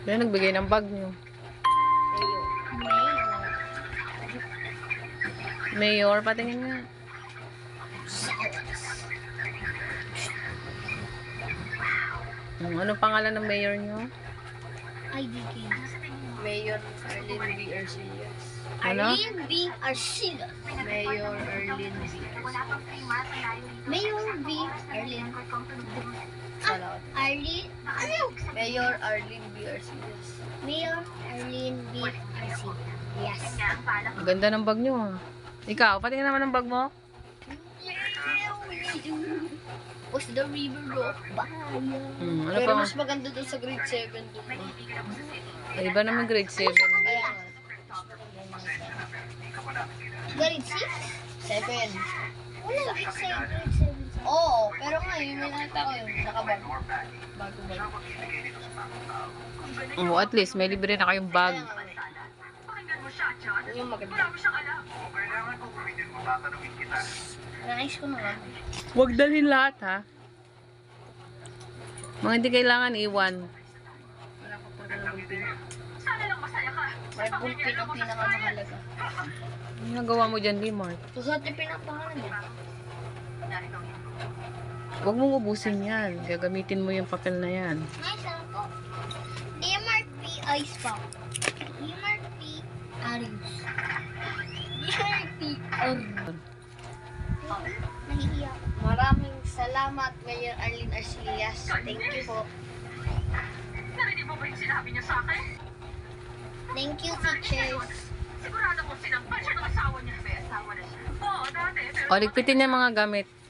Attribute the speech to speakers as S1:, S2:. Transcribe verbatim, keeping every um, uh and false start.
S1: Kaya nagbigay ng bag nyo.
S2: Mayor.
S1: Mayor, patingin nga. Hmm, ano pangalan ng mayor nyo?
S2: I D K.
S3: Mayor Arlene B. Arcillas.
S1: Ano?
S2: Arlene B. Arcillas.
S3: Mayor Arlene B.
S2: Mayor B. Arlene.
S3: Salamat.
S2: Arlene. Ano?
S3: Mayor Arlene B. Arcillas.
S2: Mayor Arlene B. Arcillas. Yes.
S1: Ang ganda ng bag nyo ah. Ikaw, patingin naman ng bag mo.
S2: Was the river of Bahia.
S1: Hmm, ano
S3: Pero
S1: pa?
S3: mas maganda doon sa grade seven doon.
S1: Ay, iba naman grade seven.
S3: Kaya nga.
S2: Grade six?
S3: seven.
S2: Wala, grade seven, grade seven.
S3: Oo, pero nga yun, may nakita ko yun. Nakabag. Bago-bago.
S1: Oh, at least may libre na kayong bag.
S3: Kaya nga. Yun yung maganda.
S2: Nais ko na nga.
S1: Huwag dalhin lahat ha. Mga hindi kailangan iwan.
S3: Wala ko pa talagang pin. May bullpen ang pinakamahalaga.
S1: Ano nagawa mo dyan, Limart?
S3: Susunod yung pinapangalan mo.
S1: Huwag mong ubusin yan. Gagamitin mo yung papel na yan.
S2: Nice lang po. D M R P Ice Pop. D M R P Arius. D M R P Arius. Nahihiya ako.
S3: Maraming salamat, Mayor Arlene Arcillas. Thank you po.
S4: Narinig mo ba yung sinabi niya sa akin?
S2: Thank you, teachers.
S4: Sigurado kong sinampal siya ng asawa niya. May asawa na siya. Oo, dati. Pero
S1: O, ligpitin niya mga gamit.